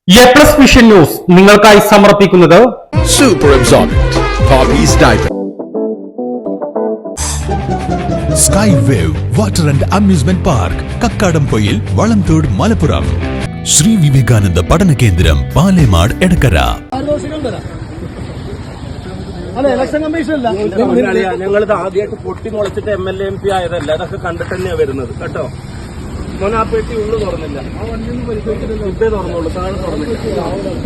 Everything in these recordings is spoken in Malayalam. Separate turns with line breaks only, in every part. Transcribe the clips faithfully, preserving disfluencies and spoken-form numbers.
എ പ്ലസ് വിഷൻ ന്യൂസ് നിങ്ങൾക്കായി സമർപ്പിക്കുന്നത്
super absorbent Poppies diaper Sky Wave water and amusement park Kakkadampoyil Valamthode Malappuram Sree Vivekananda പഠന കേന്ദ്രം പാലേമാട് എടക്കര.
ഞങ്ങളിത് ആദ്യമായിട്ട് പൊട്ടി മുളച്ചിട്ട് M L A M P ആയതല്ല, അതൊക്കെ കണ്ടിട്ട് തന്നെയാണ് വരുന്നത് കേട്ടോ. മോൻ ആ പെട്ടി ഉള്ളു തുറന്നില്ല, ആ വണ്ടിയൊന്നും പരിശോധിച്ചിട്ടില്ല, ഇതേ തുറന്നുള്ളൂ, താഴെ തുറന്നില്ല.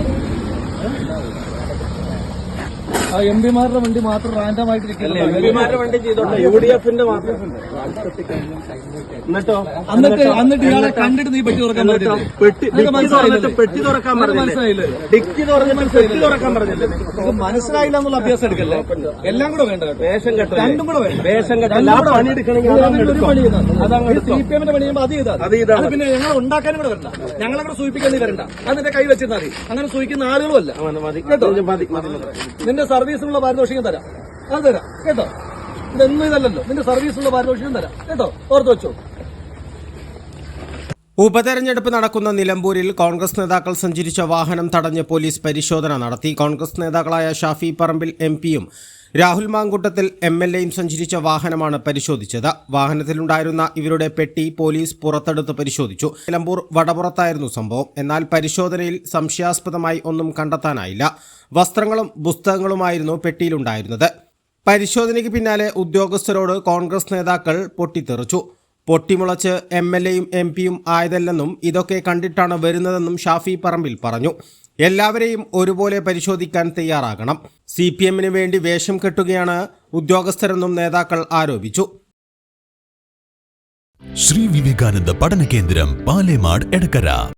എം പിമാരുടെ വണ്ടി മാത്രം റാൻഡമായിട്ടിരിക്കില്ല.
എം പിമാരുടെ വണ്ടി ചെയ്തോട്ടെ, യു ഡി എഫിന്റെ മാത്രം. എന്നിട്ടോ
എന്നിട്ട് എന്നിട്ട് ഇയാളെ കണ്ടിട്ട് നീ പെട്ടി തുറക്കാൻ പറ്റില്ല.
പെട്ടി തുറന്നിട്ട് പെട്ടി തുറക്കാൻ പറഞ്ഞില്ലേ? ഡിക്കി തുറന്നിട്ട് പെട്ടി തുറക്കാൻ പറഞ്ഞില്ലേ?
മനസ്സിലായില്ല എന്നുള്ള അഭ്യാസം എടുക്കല്ലേ. എല്ലാം കൂടെ വേണ്ട,
വേഷം കെട്ട
രണ്ടും കൂടെ വേണ്ട.
വേഷം കെട്ടല്ല, ആ പണി എടുക്കണമെങ്കിൽ
സി പി എമ്മിന്റെ പണി ചെയ്യുമ്പോൾ അത് ചെയ്താൽ
അത് ചെയ്താൽ
പിന്നെ ഞങ്ങൾ ഉണ്ടാക്കാനും കൂടെ വരണ്ട, ഞങ്ങളെ കൂടെ സൂചിപ്പിക്കാൻ നീ വരണ്ട. അതിന്റെ കൈ വെച്ചിരുന്നാൽ മതി. അങ്ങനെ സൂചിക്കുന്ന ആളുകളുമല്ല കേട്ടോ. നിന്റെ സർവീസിനുള്ള പാരിതോഷികം തരാം, അത് തരാം കേട്ടോ. ഇതൊന്നും ഇതല്ലല്ലോ, നിന്റെ സർവീസിനുള്ള പാരിതോഷികം തരാം കേട്ടോ, ഓർത്ത് വെച്ചോ.
ഉപതെരഞ്ഞെടുപ്പ് നടക്കുന്ന നിലമ്പൂരിൽ കോൺഗ്രസ് നേതാക്കൾ സഞ്ചരിച്ച വാഹനം തടഞ്ഞ് പോലീസ് പരിശോധന നടത്തി. കോൺഗ്രസ് നേതാക്കളായ ഷാഫി പറമ്പിൽ എം പിയും രാഹുൽ മാങ്കൂട്ടത്തിൽ എം എൽ എയും സഞ്ചരിച്ച വാഹനമാണ് പരിശോധിച്ചത്. വാഹനത്തിലുണ്ടായിരുന്ന ഇവരുടെ പെട്ടി പോലീസ് പുറത്തെടുത്ത് പരിശോധിച്ചു. നിലമ്പൂർ വടപുറത്തായിരുന്നു സംഭവം. എന്നാൽ പരിശോധനയിൽ സംശയാസ്പദമായി ഒന്നും കണ്ടെത്താനായില്ല. വസ്ത്രങ്ങളും പുസ്തകങ്ങളുമായിരുന്നു പെട്ടിയിലുണ്ടായിരുന്നത്. പരിശോധനയ്ക്ക് പിന്നാലെ ഉദ്യോഗസ്ഥരോട് കോൺഗ്രസ് നേതാക്കൾ പൊട്ടിത്തെറിച്ചു. പൊട്ടിമുളച്ച് എം എൽ എയും എം പിയും ആയതല്ലെന്നും ഇതൊക്കെ കണ്ടിട്ടാണ് വരുന്നതെന്നും ഷാഫി പറമ്പിൽ പറഞ്ഞു. എല്ലാവരെയും ഒരുപോലെ പരിശോധിക്കാൻ തയ്യാറാകണം. സി പി എമ്മിന് വേണ്ടി വേഷം കെട്ടുകയാണ് ഉദ്യോഗസ്ഥരെന്നും നേതാക്കൾ ആരോപിച്ചു.
ശ്രീ വിവേകാനന്ദ പഠന കേന്ദ്രം പാലേമാട് എടക്കര.